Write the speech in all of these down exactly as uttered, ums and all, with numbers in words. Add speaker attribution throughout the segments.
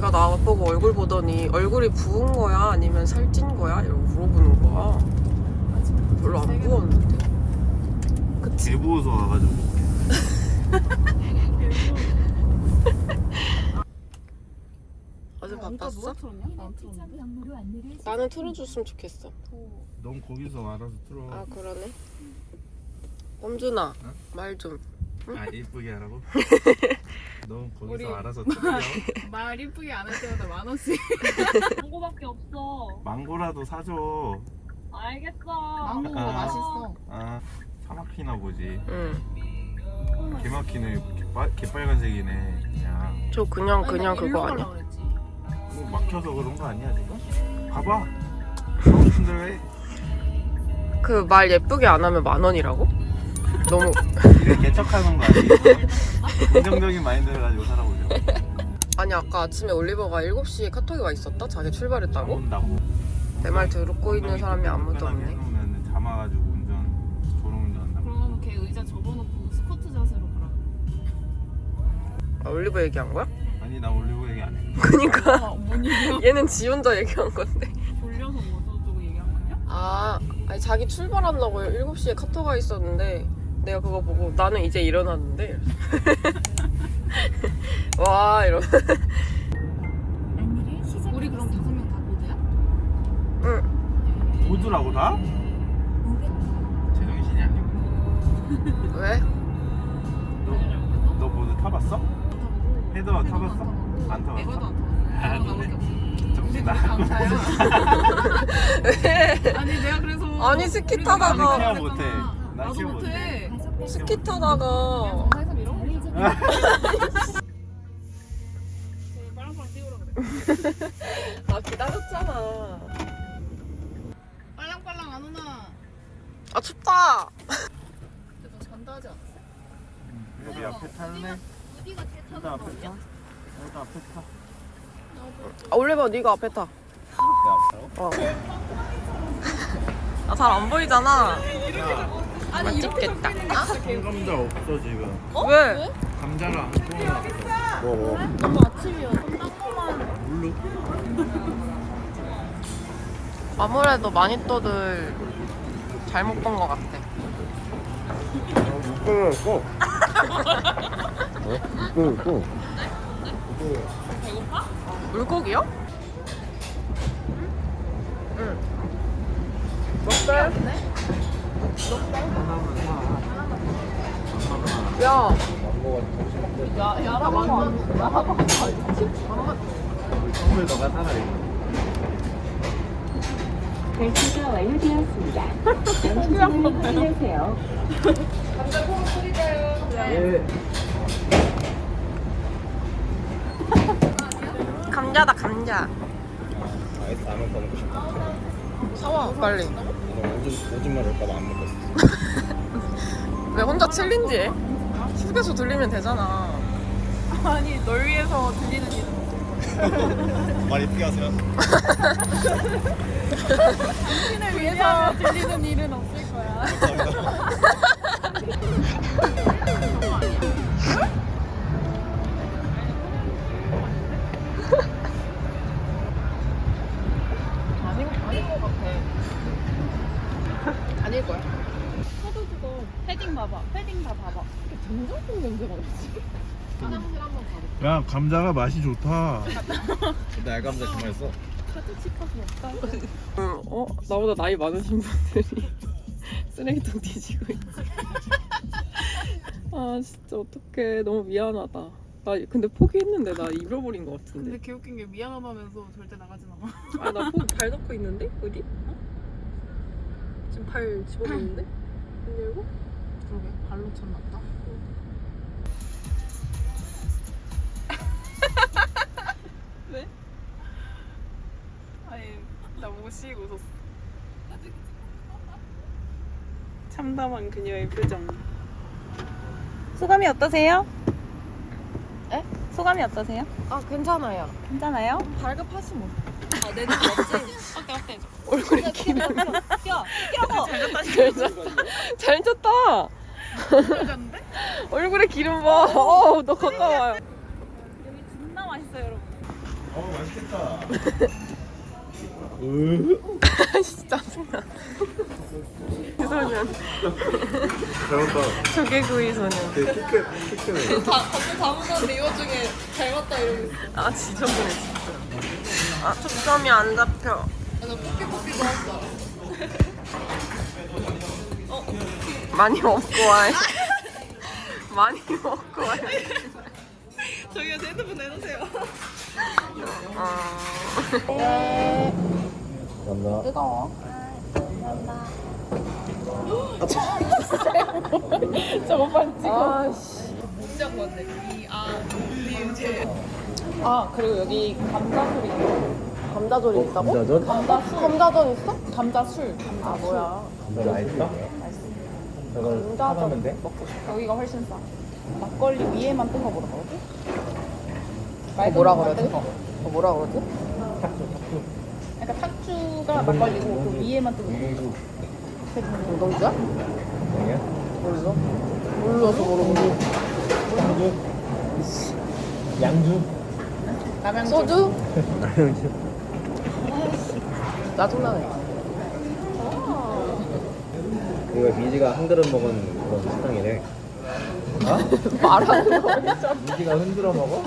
Speaker 1: 걔가 나보고 얼굴 보더니 얼굴이 부은 거야? 아니면 살찐 거야? 이러고 물어보는 거야. 별로 안 부었는데. 그치?
Speaker 2: 개 부어서 와가지고.
Speaker 1: 어제 바빴어? 나는 틀어줬으면 좋겠어.
Speaker 2: 넌 거기서 알아서 틀어.
Speaker 1: 아 그러네. 범준아,
Speaker 2: 응?
Speaker 1: 말 좀.
Speaker 2: 아 이쁘게 하라고? 넌 거기서
Speaker 3: 우리-
Speaker 2: 알아서 틀어.
Speaker 3: 말 이쁘게 안 할 때마다 만 원씩.
Speaker 4: 망고밖에 없어.
Speaker 2: 망고라도 사줘.
Speaker 4: 알겠어.
Speaker 3: 망고가
Speaker 2: 아.
Speaker 3: 맛있어.
Speaker 2: 아, 차 막히나 보지.
Speaker 1: 응.
Speaker 2: 개 막히네. 개빨, 개빨간색이네. 그냥.
Speaker 1: 저 그냥 그냥
Speaker 3: 아니,
Speaker 1: 그거
Speaker 3: 일로
Speaker 1: 아니야?
Speaker 3: 가려고 그랬지.
Speaker 2: 뭐 막혀서 그런 거 아니야 지금? 봐봐. 하고 싶은데 왜?
Speaker 1: 그 말 예쁘게 안 하면 만 원이라고? 너무
Speaker 2: 이게 개척하는 거 아니에요? 긍정적인 마인드를 가지고 살아보죠.
Speaker 1: 아니 아까 아침에 올리버가 일곱 시에 카톡이 와 있었다? 자기 출발했다고?
Speaker 2: 온다고.
Speaker 1: 내 말 듣고 있는 사람이 아무도 없네.
Speaker 2: 해놓으면 잠아가지고 운전, 졸음운전 한다고.
Speaker 3: 그러면 걔 의자 접어놓고 스쿼트 자세로 가라.
Speaker 1: 아, 올리버 얘기한 거야?
Speaker 2: 아니 나 올리고 얘기 안 해.
Speaker 1: 그니까
Speaker 3: 아, 뭔 얘기야?
Speaker 1: 얘는 지 혼자 얘기한 건데.
Speaker 3: 졸려서 뭐 어쩌고 얘기한 거 아니야?
Speaker 1: 아, 아니 자기 출발한다고 일곱 시에 카톡 와 있었는데 내가 그거 보고 나는 이제 일어났는데 와 이러.
Speaker 3: 우리 그럼 다섯 명 다 보드야?
Speaker 1: 응.
Speaker 2: 보드라고 다? 제정신이 아니고.
Speaker 1: 왜?
Speaker 2: 너, 너 보드 타봤어? 헤더 타봤어? 안 타봤어?
Speaker 3: 에버도 안 타봤어.
Speaker 2: 아,
Speaker 3: 나밖에 없어.
Speaker 2: 정신
Speaker 3: 나
Speaker 2: 나간
Speaker 3: 강사야.
Speaker 1: 왜?
Speaker 3: 아니 내가 그래서
Speaker 1: 아니, 스키
Speaker 3: 우리가
Speaker 1: 타다가-
Speaker 3: 나도
Speaker 2: 케어
Speaker 3: 그랬잖아.
Speaker 2: 못해. 나
Speaker 3: 나도
Speaker 2: 케어
Speaker 3: 못해.
Speaker 1: 스키 타다가
Speaker 3: 강사에서 밀어? 빨랑빨랑 뛰우라 그래.
Speaker 1: 아 기다렸잖아.
Speaker 3: 빨랑빨랑 안 오나?
Speaker 1: 아 춥다.
Speaker 3: 근데 너 잔다 하지 않았어?
Speaker 2: 여기 앞에 탈래?
Speaker 4: 어디가 제일
Speaker 2: 여기 앞에 타? 여기 앞에 타.
Speaker 1: 아, 올리버 네가 앞에 타.
Speaker 2: 내 앞으로?
Speaker 1: 어. 아 잘 안 보이잖아.
Speaker 3: 아니
Speaker 1: 맛있겠다.
Speaker 2: 감자 없어 지금.
Speaker 1: 왜?
Speaker 2: 감자를 안 구워놨어. 뭐?
Speaker 4: 너무 아침이어서 땅콩만.
Speaker 2: 물로?
Speaker 1: 아무래도 마니또들 잘못 본 것 같아.
Speaker 2: 못 끊었어. 못 끊었어.
Speaker 1: 물고기요? 응. 먹어요? 야,
Speaker 3: 야, 야라 완전 야라가
Speaker 2: 선물 너가 사라 이거.
Speaker 5: 결제가 완료되었습니다. 양심상을 확인하세요.
Speaker 2: 예.
Speaker 1: 감자다 감자.
Speaker 2: 아이스 라면 먹고 싶다.
Speaker 1: 사와 빨리.
Speaker 2: 오줌 오줌 마를까봐 안 먹었어.
Speaker 1: 왜 혼자 챌린지해? 휴게소 들리면 되잖아.
Speaker 3: 아니 널 위해서 들리는 일은
Speaker 2: 말 이쁘게 하세요.
Speaker 3: 당신을 위해서 들리는 일은 없을 거야. 아닌 아닌 것 같아.
Speaker 1: 아닐 거야.
Speaker 3: 하도 그거 패딩 봐봐. 패딩 다 봐봐. 이게 된장국 냄새가 나지? 화장실 한번 가볼게.
Speaker 2: 야 감자가 맛이 좋다. 근데 알감자 그 맛있어.
Speaker 3: 카드 치카스 없다.
Speaker 1: 응, 어? 나보다 나이 많으신 분들이 쓰레기통 뒤지고 있지. 아 진짜 어떡해. 너무 미안하다. 나 근데 포기했는데 나 잃어버린 것
Speaker 3: 근데
Speaker 1: 같은데.
Speaker 3: 개웃긴 게 미안하다면서 절대 나가진 않아.
Speaker 1: 아 나 발 넣고 있는데? 어디? 어? 지금 발 집어넣는데? 안 열고?
Speaker 3: 그러게 발로 쳤나보다. 왜? 아니 나 무시고 웃었어. 참담한 그녀의 표정. 소감이 어떠세요?
Speaker 4: 에?
Speaker 3: 소감이 어떠세요?
Speaker 4: 아 괜찮아요.
Speaker 3: 괜찮아요?
Speaker 4: 발급하시 뭐. 아내 눈 없지?
Speaker 3: 어때 어때?
Speaker 1: 얼굴에 기름.
Speaker 4: 야 끼라고.
Speaker 1: 잘, 쳤, 잘 쳤다.
Speaker 3: 잘잤는데?
Speaker 1: 얼굴에 기름 봐. 어, 너 가까워요.
Speaker 3: 여기 존나 맛있어요 여러분.
Speaker 2: 어 맛있겠다. 으.
Speaker 1: 진짜 짜증나. 소년.
Speaker 2: 잘못다.
Speaker 1: 조개구이 소년.
Speaker 2: 되게 킥해 킥해.
Speaker 3: 다 갑자기 다문화인데 이거 중에 닮았다 이러고 있어.
Speaker 1: 아 지저분해 진짜. 아 초점이 안 잡혀.
Speaker 3: 아, 나 뽀삐뽀삐 좋았어.
Speaker 1: 많이 먹고 와요. 많이 먹고 와요.
Speaker 3: 저기요, 제 핸드폰 내놓으세요.
Speaker 1: 어...
Speaker 2: 감사합니다.
Speaker 4: 뜨거워. 저거 빨리 찍어. 아씨.
Speaker 3: 진짜 건데. 이, 아, 니, 제.
Speaker 4: 아 그리고 여기 감자술이 있어. 감자절이 있다고?
Speaker 2: 감자전?
Speaker 4: 감자술. 감자전 있어? 감자술. 아 뭐야?
Speaker 2: 감자 맛있어? 저걸
Speaker 4: 감자전
Speaker 2: 사가면 돼?
Speaker 4: 먹고 싶어. 여기가 훨씬 싸. 막걸리 위에만 뜬 거 뭐라 그러지?
Speaker 1: 어, 뭐라
Speaker 4: 맑은
Speaker 1: 그러지?
Speaker 4: 거.
Speaker 1: 어, 뭐라 그러지?
Speaker 2: 탁주 탁주.
Speaker 4: 그러니까 탁주가 막걸리고 그 위에만 뜬 거.
Speaker 2: 우동주.
Speaker 1: 우동주야?
Speaker 2: 아니야?
Speaker 1: 몰라. 몰라서 모르고.
Speaker 2: 양주. 양주.
Speaker 4: 남양주.
Speaker 1: 소주?
Speaker 2: 양주.
Speaker 1: 짜증나네.
Speaker 2: 이거 미지가 한 그릇 먹은 그런 식당이래. 어?
Speaker 1: 말하는 거.
Speaker 2: 미지가 흔들어 먹어?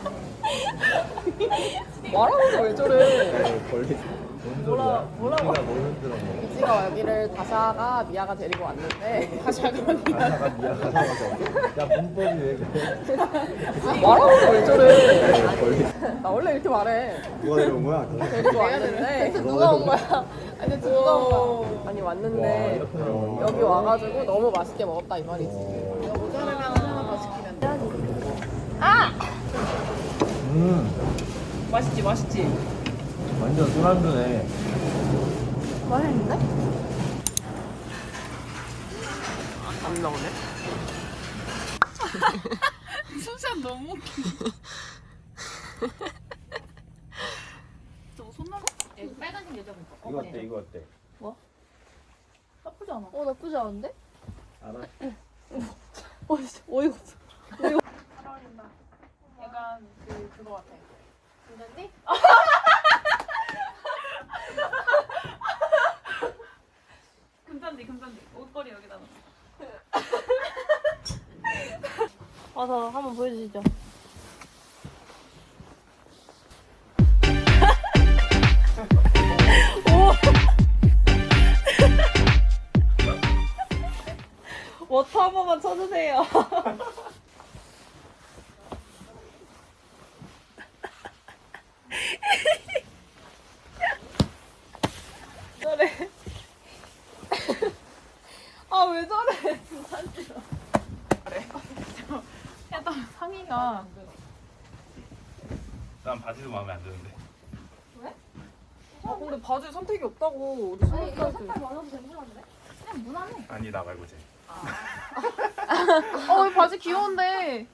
Speaker 1: 말하는 거 왜 저래?
Speaker 2: 에이, 벌리. 뭔 소리야?
Speaker 4: 뭐라고?
Speaker 2: 미지가 뭘 흔들어 먹어?
Speaker 1: 미지가 여기를 다샤가 미아가 데리고 왔는데
Speaker 4: 다샤가 미야.
Speaker 2: 가사가 미야 가사가 저기? 야 문법이 왜 그래?
Speaker 1: 말하는 거 왜 저래?
Speaker 2: 에이, 벌리.
Speaker 1: 나 원래 이렇게 말해.
Speaker 2: 누가 데려온 거야?
Speaker 1: 데리고 왔는데
Speaker 4: 누가 온 거야? 아니 누가 온 거야?
Speaker 1: 아니
Speaker 2: 와,
Speaker 1: 왔는데
Speaker 2: 이렇게 나오네.
Speaker 1: 여기 와가지고 너무 맛있게 먹었다 이 말이지.
Speaker 4: 모자르면 하나 더 시키면 돼.
Speaker 2: 음,
Speaker 4: 맛있지 맛있지.
Speaker 2: 완전 술안주네.
Speaker 4: 맛있는데?
Speaker 1: 안 나오네.
Speaker 3: 숨쉬는 너무 웃겨. 저거 손나무? 여기 빨간색 여자 분.
Speaker 2: 이거 어때? 이거 어때?
Speaker 3: 나쁘지 않아.
Speaker 4: 어 나쁘지 않은데?
Speaker 2: 알아?
Speaker 4: 어 진짜 어이가 없어.
Speaker 3: 약간 그, 그거 같아.
Speaker 4: 괜찮니?
Speaker 3: 금잔디, 금잔디. 옷걸이 여기다가.
Speaker 4: 와서 한번 보여주시죠. 워터 한 번만 쳐주세요. 저래. 아 왜 저래? 진짜 싫어.
Speaker 3: 일단 상의가.
Speaker 2: 난 바지도 마음에 안 드는데.
Speaker 1: 아 근데 바지 선택이 없다고 우리 스무 살 때.
Speaker 3: 많아도 괜찮은데? 그냥 무난해.
Speaker 2: 아니 나 말고 쟤.
Speaker 3: 어, 이 바지 귀여운데.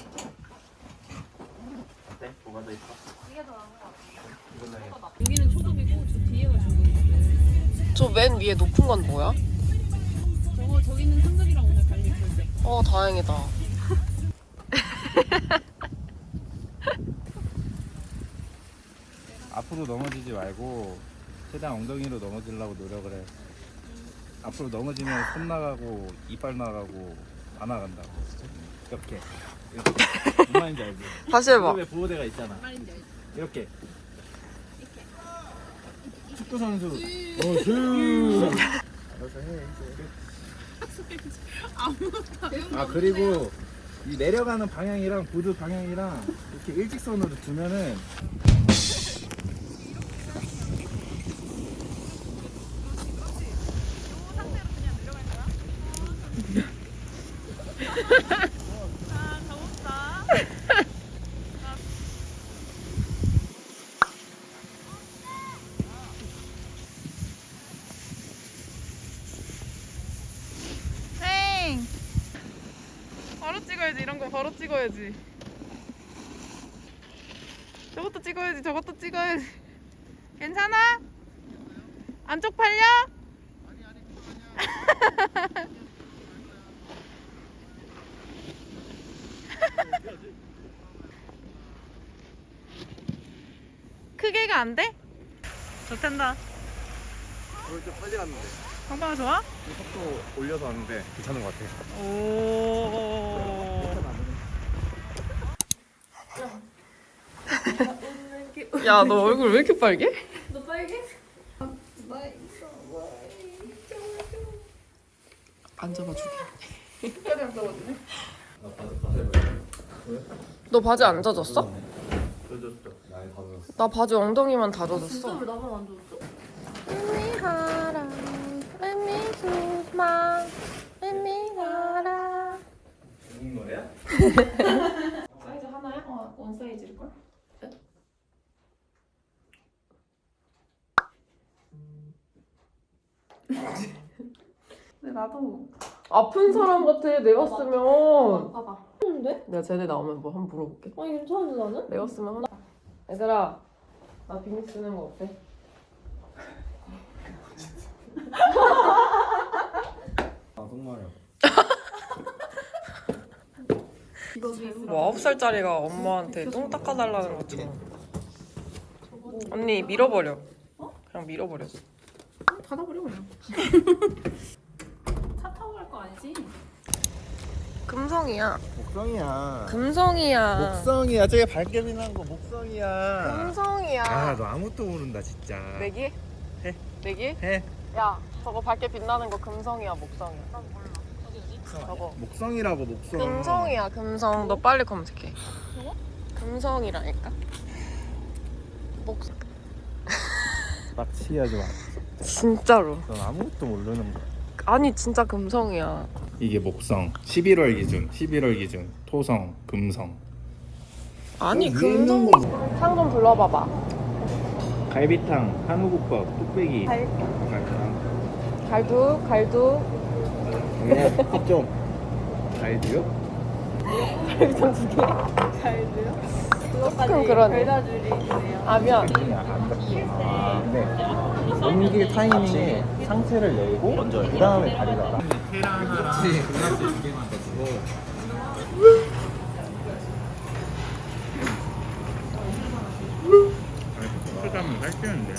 Speaker 2: 어때? 뭐가 더 있어?
Speaker 3: 이게 더 나은 것 같아.
Speaker 2: 이걸로 해.
Speaker 3: 여기는 초급이고 저 뒤에가 중급인데.
Speaker 1: 저 맨 위에 높은 건 뭐야?
Speaker 3: 저거 저기는 상급이랑 오늘 관리 결제.
Speaker 1: 어 다행이다.
Speaker 2: 앞으로 넘어지지 말고 최대한 엉덩이로 넘어지려고 노력을 해. 앞으로 넘어지면 손 나가고 이빨 나가고 다 나간다고. 이렇게. 이렇게. 무슨 말인지 알지?
Speaker 1: 다시 해봐.
Speaker 2: 무릎에 보호대가 있잖아.
Speaker 3: 말인지 알지?
Speaker 2: 이렇게. 축구 선수. 어, 슈. 알아서 해. 이제. 아 그리고 이 내려가는 방향이랑 보드 방향이랑 이렇게 일직선으로 두면은
Speaker 3: 땡! 바로 찍어야지. 이런 거 바로 찍어야지. 저것도 찍어야지. 저것도 찍어야지. 괜찮아? 안 쪽팔려? 아니 아니 빨리가 안 돼? 좋단다.
Speaker 2: 오늘 좀 빨리 갔는데
Speaker 3: 방방아 좋아?
Speaker 2: 속도 올려서 왔는데 괜찮은 것 같아.
Speaker 3: 오.
Speaker 1: 야, 너 얼굴 왜 이렇게 빨개?
Speaker 3: 너 빨개?
Speaker 1: 앉아봐 줄게.
Speaker 3: 끝까지 안 써봤네.
Speaker 1: 너 바지 안 젖었어?
Speaker 2: 젖었어. 나이 다 젖었어.
Speaker 1: 나 바지 엉덩이만 다 젖었어.
Speaker 3: 진짜 왜 나만 안 줬어?
Speaker 2: 죽은 거야?
Speaker 3: 사이즈 하나야? 어, 원 사이즈일걸? 근데 나도
Speaker 1: 아픈 사람 같아. 내가 쓰면.
Speaker 3: 봐봐.
Speaker 1: 내가 쟤네 나오면 뭐 한번 물어볼게.
Speaker 3: 아니 괜찮은데 나는?
Speaker 1: 내가 쓰면 한... 얘들아, 나 비니 쓰는 거 어때?
Speaker 2: 아 정말요.
Speaker 1: 뭐 아홉 살짜리가 엄마한테 똥 닦아달라는 것처럼. 언니 밀어버려. 그냥 밀어버려.
Speaker 3: 닫아버려 그냥. 차 타고 갈 거 아니지?
Speaker 1: 금성이야.
Speaker 2: 목성이야.
Speaker 1: 금성이야.
Speaker 2: 목성이야. 저게 발견이 난 거 목성이야.
Speaker 1: 금성이야.
Speaker 2: 아 너 아무것도 모른다 진짜.
Speaker 1: 내기?
Speaker 2: 해.
Speaker 1: 내기?
Speaker 2: 해.
Speaker 1: 야, 저거 밝게 빛나는 거 금성이야, 목성이야? 저거.
Speaker 2: 목성이라고 목성.
Speaker 1: 금성이야, 금성. 너 빨리 검색해. 금성이라니까. 목성.
Speaker 2: 납치하지 마.
Speaker 1: 진짜로.
Speaker 2: 넌 아무것도 모르는 거야.
Speaker 1: 아니, 진짜 금성이야.
Speaker 2: 이게 목성. 십일월 기준. 십일월 기준. 토성, 금성.
Speaker 1: 아니,
Speaker 2: 어, 위에
Speaker 1: 금성.
Speaker 2: 있는
Speaker 1: 상 좀 불러봐봐.
Speaker 2: 갈비탕, 한우국밥, 뚝배기.
Speaker 1: 갈-
Speaker 2: 갈비탕.
Speaker 1: 갈두, 갈두.
Speaker 2: 네, 좀. 갈비요?
Speaker 1: 갈비탕 두 개.
Speaker 3: 잘돼요?
Speaker 1: 조금 그러네.
Speaker 3: 별다줄이 있네요.
Speaker 1: 아, 미안.
Speaker 2: 아, 근데 연기 타이밍에 상체를 열고 그 다음에 다리가 계란 하나 그라스 두 개만 더 주고 커플 가면 살찌는데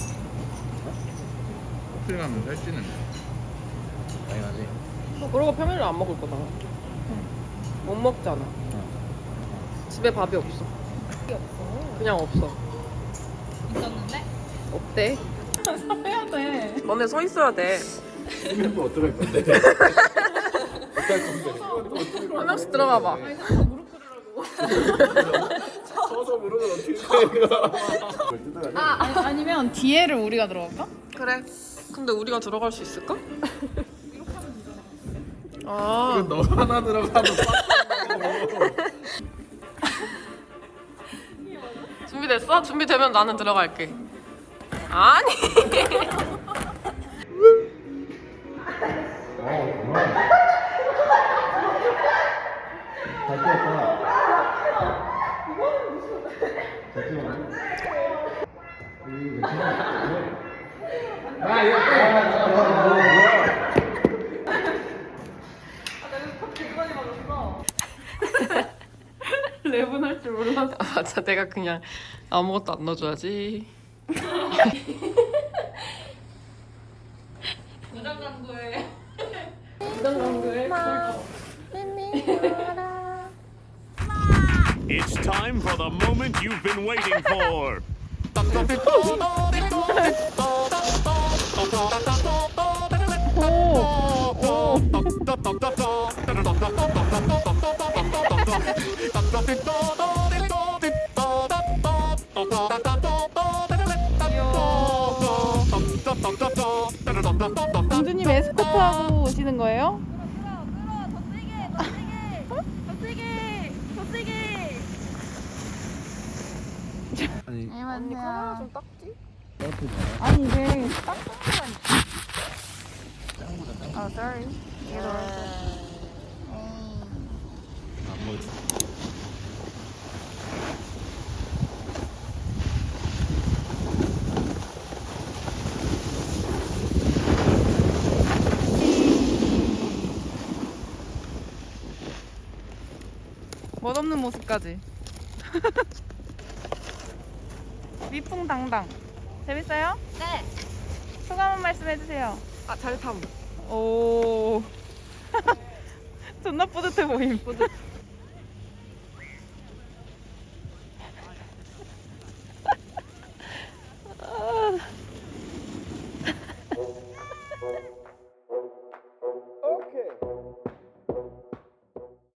Speaker 2: 커플 가면 살찌는데 당연하지.
Speaker 1: 그러고 평일에 안 먹을 거다. 못 먹잖아. 집에 밥이 없어. 그냥 없어.
Speaker 3: 있었는데?
Speaker 1: 없대.
Speaker 3: 해야 돼.
Speaker 1: 너네 서 있어야 돼.
Speaker 2: 쓰면 또 어떡할 건데? 어떡할 건데?
Speaker 1: 한 명씩 들어가 봐.
Speaker 2: 서서 무릎을 어떻게 떼는
Speaker 3: 아, 아니, 아니면 뒤에를 우리가 들어갈까?
Speaker 1: 그래. 근데 우리가 들어갈 수 있을까? 아,
Speaker 2: 너 하나 들어가도
Speaker 1: 준비됐어? 준비되면 나는 들어갈게. 아니.
Speaker 2: 잘 뛰었어.
Speaker 1: 랩은 할 줄 몰랐어. 아, 자, 내가 그냥 아무것도 안 넣어줘야지.
Speaker 3: 부장 강도에.
Speaker 1: 부장 강도에
Speaker 6: It's time for the moment you've been waiting for.
Speaker 3: 공주님 에스코트하고 오시는 거예요?
Speaker 2: 아니
Speaker 1: 언니 카메라 좀 닦지?
Speaker 3: 아니 이게 딱
Speaker 1: 아, sorry.
Speaker 2: 안 먹지.
Speaker 3: 멋없는 모습까지. 위풍당당. 재밌어요?
Speaker 1: 네.
Speaker 3: 소감 한 말씀 해주세요.
Speaker 1: 아, 잘 탐.
Speaker 3: 오. 존나 뿌듯해 보임. 뿌듯.